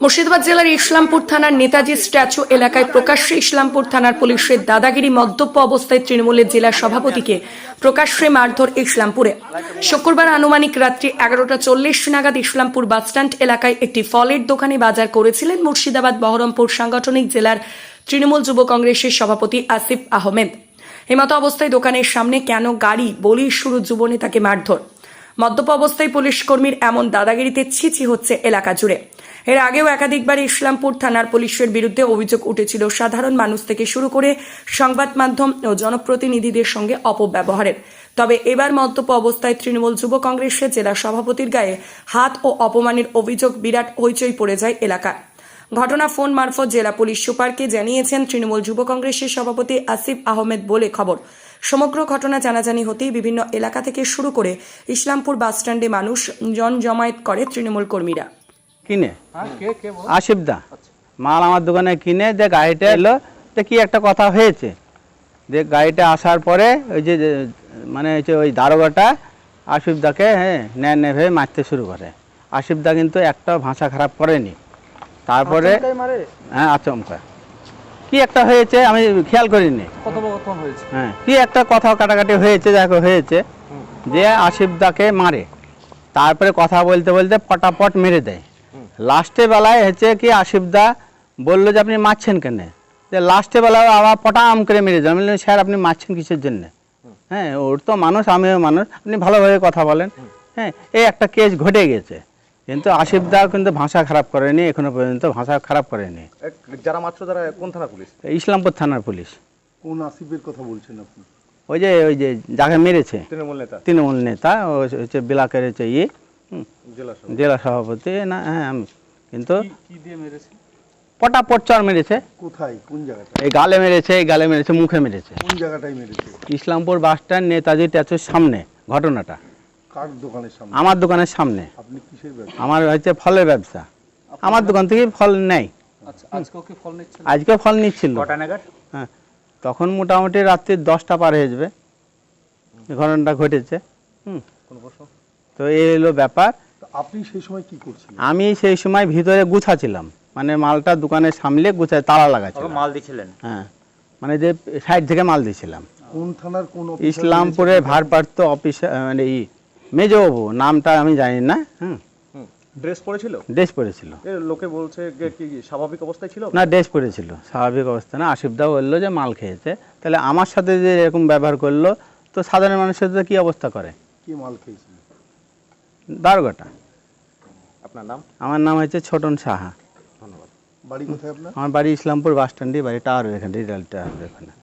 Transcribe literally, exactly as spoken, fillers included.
মুর্শিদাবাদ জেলার ইসলামপুর থানার নেতাজি স্ট্যাচু এলাকায় প্রকাশ্যে ইসলামপুর থানার পুলিশের দাদাগিরি মদ্যপ অবস্থায় তৃণমূলের জেলা সভাপতিকে প্রকাশ্যে মারধর ইসলামপুরে। শুক্রবার আনুমানিক রাত্রি এগারোটা চল্লিশ নাগাদ ইসলামপুর বাসস্ট্যান্ড এলাকায় একটি ফলের দোকানে বাজার করেছিলেন মুর্শিদাবাদ বহরমপুর সাংগঠনিক জেলার তৃণমূল যুব কংগ্রেসের সভাপতি আসিফ আহমেদ। এমতো অবস্থায় দোকানের সামনে কেন গাড়ি বলি শুরু যুব নেতাকে মারধর। মদ্যপ অবস্থায় পুলিশ কর্মীর এমন দাদাগিরিতে ছিছি হচ্ছে এলাকা জুড়ে। এর আগেও একাধিকবার ইসলামপুর থানার পুলিশের বিরুদ্ধে অভিযোগ উঠেছিল সাধারণ মানুষ থেকে শুরু করে সংবাদ মাধ্যম ও জনপ্রতিনিধিদের সঙ্গে অপব্যবহারের। তবে এবার মদ্যপ অবস্থায় তৃণমূল যুব কংগ্রেসের জেলা সভাপতির গায়ে হাত ও অপমানের অভিযোগ বিরাট হইচই পড়ে যায় এলাকায়। ঘটনা ফোন মারফত জেলা পুলিশ সুপারকে জানিয়েছেন তৃণমূল যুব কংগ্রেসের সভাপতি আসিফ আহমেদ বলে খবর। সমগ্র ঘটনা জানাজানি হতেই বিভিন্ন এলাকা থেকে শুরু করে ইসলামপুর বাসস্ট্যান্ডে মানুষ জন জমায়েত করে তৃণমূল কর্মীরা। কিনে আসিফ দা মাল আমার দোকানে কিনে যে গাড়িটা এলো, তো কি একটা কথা হয়েছে, যে গাড়িটা আসার পরে ওই যে মানে হচ্ছে ওই দারোগাটা আসিফ দাকে হ্যাঁ ন্যায় ন্যায় ভেবে মারতে শুরু করে। আসিফ দা কিন্তু একটা ভাষা খারাপ করেনি। তারপরে হ্যাঁ আচমকা কি একটা হয়েছে আমি খেয়াল করিনি, হ্যাঁ কি একটা কথা কাটাকাটি হয়েছে, দেখো হয়েছে যে আসিফ দাকে মারে, তারপরে কথা বলতে বলতে পটাপট মেরে দেয়। লাস্টে বেলায় হচ্ছে কি আসিফ দা বললো যে আপনি মারছেন কেন, যে লাস্টে বেলায় আবার পটাম করে মেরে দেয়। আমি বললাম স্যার আপনি মারছেন কিসের জন্য, হ্যাঁ ওর তো মানুষ আমিও মানুষ, আপনি ভালোভাবে কথা বলেন। হ্যাঁ এই একটা কেস ঘটে গেছে, কিন্তু আসিফ দা কিন্তু ভাষা খারাপ করেনি, এখনো পর্যন্ত ভাষা খারাপ করেনি। যারা মাত্র যারা কোন থানা পুলিশ? ইসলামপুর থানার পুলিশ। কোন আসিফের কথা বলছেন আপনি? ওই যে ওই যে যাকে মেরেছে তৃণমূল নেতা। তৃণমূল নেতা ও হচ্ছে ব্লকের হচ্ছে ইয়ে জেলা সভাপতি না, হ্যাঁ আমি কিন্তু কি দিয়ে মেরেছে? পটাপট চর মেরেছে। কোথায়, কোন জায়গাটা? এই গালে মেরেছে, এই গালে মেরেছে, মুখে মেরেছে। কোন জায়গাটায় মেরেছে? ইসলামপুর বাস স্ট্যান্ড নেতাজি স্ট্যাচুর সামনে ঘটনাটা। কার দোকানের সামনে? আমার দোকানের সামনে। আপনি কিসের ব্যবসা? আমার হচ্ছে ফলের ব্যবসা, আমার দোকান থেকে ফল নেই। আচ্ছা আজকে কি ফল নিচ্ছিল? আজকে ফল নিচ্ছিল। কটা নাগাদ? হ্যাঁ তখন মোটামুটি রাত্রি দশটা পার হয়ে যাবে ঘটনাটা ঘটেছে। হুম কোন প্রশ্ন? তো এই হলো ব্যাপার। আপনি সেই সময় কি করছিলেন? আমি সেই সময় ভিতরে গুছাছিলাম, মানে মালটা দোকানে সামলে গুছায় তালা লাগাচ্ছিলাম। মাল দিছিলেন? হ্যাঁ মানে যে সাইড থেকে মাল দিয়েছিলাম। কোন থানার কোন? ইসলামপুরে ভারপ্রাপ্ত অফিসার মানে এই মেজবাবু, নামটা আমি জানি না। হুম ড্রেস পরেছিল? ড্রেস পরেছিল। লোকে বলছে কি স্বাভাবিক অবস্থায় ছিল? না ড্রেস পরেছিল, স্বাভাবিক অবস্থা না। আসিফ দা বললো যে মাল খেয়েছে, তাহলে আমার সাথে যে এরকম ব্যবহার করলো তো সাধারণ মানুষের সাথে কি অবস্থা করে? কি মাল খেয়েছিল? দারোগাটা। আপনার নাম? আমার নাম হচ্ছে ছোটন সাহা। ধন্যবাদ। বাড়ি কোথায় আপনার? আমার বাড়ি ইসলামপুর বাস স্ট্যান্ডে, বাড়ি টাওয়ার এখানে, রিটাল টাওয়ার এখানে।